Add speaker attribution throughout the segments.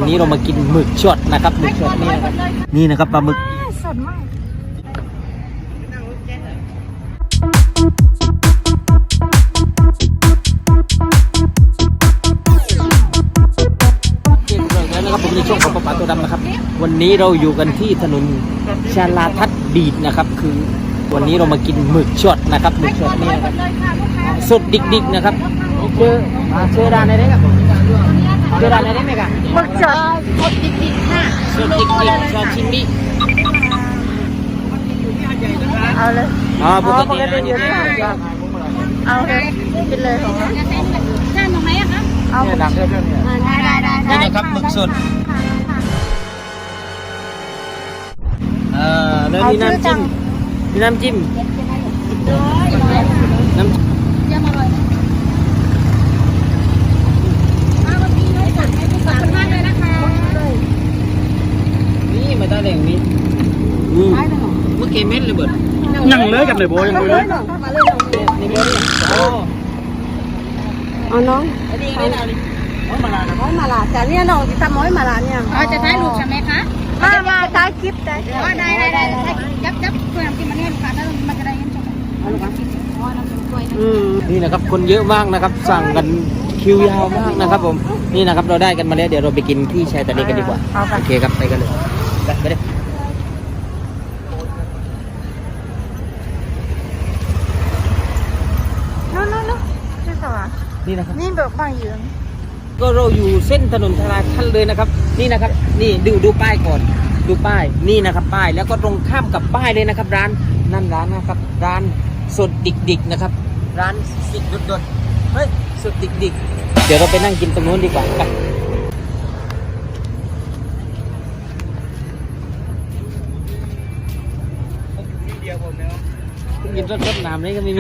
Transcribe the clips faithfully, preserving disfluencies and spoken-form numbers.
Speaker 1: นี้เรามากินหมึกช็อตนะครับหมึกช็อตนี่นะครับนี่นะครับปลาหมึก
Speaker 2: สดมาก
Speaker 1: นะครับผมในช่วงของปลาปลาตัวดำนะครับวันนี้เราอยู่กันที่ถนนชาลาทัศน์บีดนะครับคือวันนี้เรามากินหมึกช็อตนะครับหมึกช็อตนี่นะครับสดดิกๆนะครับเจอเจอร้านไหนครับเจอร้านไหนไหมครับ
Speaker 2: หมึกช็อตสดดิกๆค่ะ
Speaker 1: สดดิกๆชาชิมิ
Speaker 2: เอาเลย
Speaker 1: อ๋อปกติ
Speaker 2: นะนี่เอาเลยกินเลยของเรา
Speaker 3: จานตรงไหนอะคะ
Speaker 2: เอาหมึกช็อตได้ได้ได้
Speaker 1: นี่นะครับหมึกสดเอ่อแล้วมีน้ำจิ้มมีน้ำจิ้มน้ำ
Speaker 3: ยำอร่อยมาวันนี้เลยค่ะขอบคุณมากเลยนะคะ
Speaker 1: นี่มาตาแดงนี่อืมเมื่อกี้เม็ดเลยเบิดนั่งเลยกันเลยโบยังเลย
Speaker 2: มาเลย
Speaker 1: นี่เบิดโอ้
Speaker 2: เอาน้อง
Speaker 1: ดีเลยนะนี่โอ้มาลา
Speaker 2: โอ้มาลาแต่เนี่ยน้องจะทำโอ้ยมาลาเนี่ย
Speaker 3: อ๋อจะถ่ายรูปใช่ไหมคะ
Speaker 2: มามาถ่ายคลิปได้
Speaker 3: อ๋อได้ได้ได้ยับยับเพื่อนกินมันเนี่ยลูกค้าแล้วมันจะได้เห็นชมอ๋อลูกค้าอ๋อน้ำจิ้มกล้วย
Speaker 1: นี่นะครับคนเยอะมากนะครับสั่งกันคิวยาวมากนะครับผมนี่นะครับเราได้กันมาแล้วเดี๋ยวเราไปกินที่ชายทะเลกันดีกว่าโอเคครับไปกันเลยไปไปเลย
Speaker 2: นู้นนู้นนู้นนี่สว่าง
Speaker 1: นี่นะครับ
Speaker 2: นี่แบบบางยืน
Speaker 1: ก็เราอยู่เส้นถนนชลาทัศน์เลยนะครับนี่นะครับนี่ดูดูป้ายก่อนดูป้ายนี่นะครับป้ายแล้วก็ตรงข้ามกับป้ายเลยนะครับร้านนั่นร้านนะครับร้านสดดิกๆนะครับร้านสิดดดๆเฮ้ยสดดิกๆเดี๋ยวเราไปนั่งกินตรงนู้นดีกว่าไปกินรสๆน้ำนี่ก็ไม่มี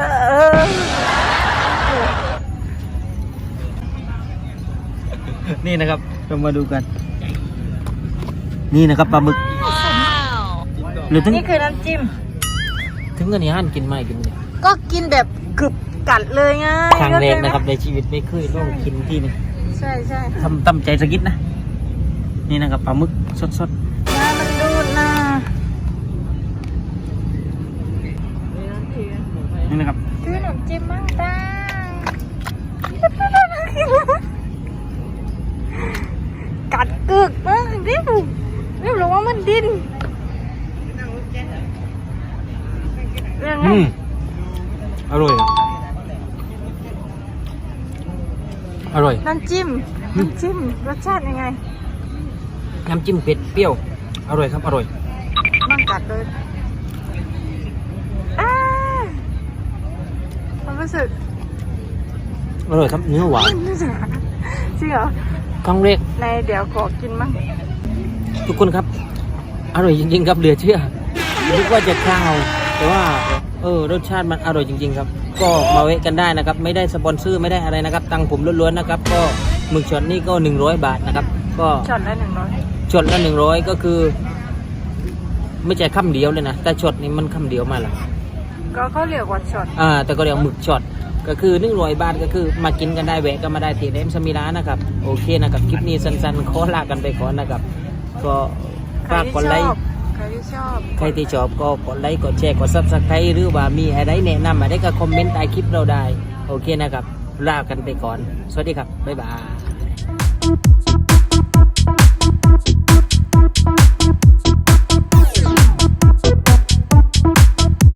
Speaker 1: นี่นะครับเรามาดูกันนี่นะครับปลาหมึกหรือถึง
Speaker 2: นี่คือน้ำจิ้ม
Speaker 1: ถึงกันนี่ห้านกินไหมกินเนี่ย
Speaker 2: ก็กินแบบกรึบกัดเลยไง
Speaker 1: ครั้งแรกนะครับในชีวิตไม่เคยลองกินที่นี่
Speaker 2: ใช่ใช่
Speaker 1: ทำตั้มใจสักนิดนะนี่นะครับปลาหมึกสด
Speaker 2: ๆน้ามันดูดนะ
Speaker 1: นี่นะครับ
Speaker 2: คือน้ำจิ้มมั่งตากัดกึกมากนี่ดูนี่รู้ว่ามันดิ้น
Speaker 1: อืมอร่อยอร่อย
Speaker 2: น้ำจิ้มน้ำจิ้มรสชาติยังไง
Speaker 1: น้ำจิ้มเผ็ดเปรี้ยวอร่อยครับอร่อย
Speaker 2: มันกัดเลยอ้าความรู้สึก
Speaker 1: อร่อยครับเนื้อหวาน
Speaker 2: จริงเหรอ
Speaker 1: ครั้งแรก
Speaker 2: ในเดี๋ยวขอกินมั้ง
Speaker 1: ทุกคนครับอร่อยจริงๆครับเหลือเชื่อนึกว่าจะข้าวแต่ว่าเออรสชาติมันอร่อยจริงๆครับก็มาเวะกันได้นะครับไม่ได้สปอนเซอร์ไม่ได้อะไรนะครับตังผมล้วนๆนะครับก็หมึกช็อตนี่ก็หนึ่งร้อยบาทนะครับก็
Speaker 2: ช็อตละหนึ่งร้อย
Speaker 1: ช็อตละหนึ่งร้อยก็คือไม่ใช่คำเดียวเลยนะแต่ช็อตนี่มันคำเดียวมาละ
Speaker 2: ก็เขาเรียกว่าช็อต
Speaker 1: อ่าแต่ก็เรียกหมึกช็อตก็คือหนึ่งร้อยบาทก็คือมากินกันได้แวะก็มาได้ที่เดมสมิลานะครับโอเคนะครับคลิปนี้สั้นๆขอลากันไปก่อนนะครับก็ฝากกดไลค์
Speaker 2: ใครที่ชอบ
Speaker 1: ใครที่ชอบก็กดไลค์กดแชร์กดซับสไครต์หรือว่ามีอะไรแนะนำอะไรก็คอมเมนต์ใต้คลิปเราได้โอเคนะครับลากันไปก่อนสวัสดีครับบ๊ายบาย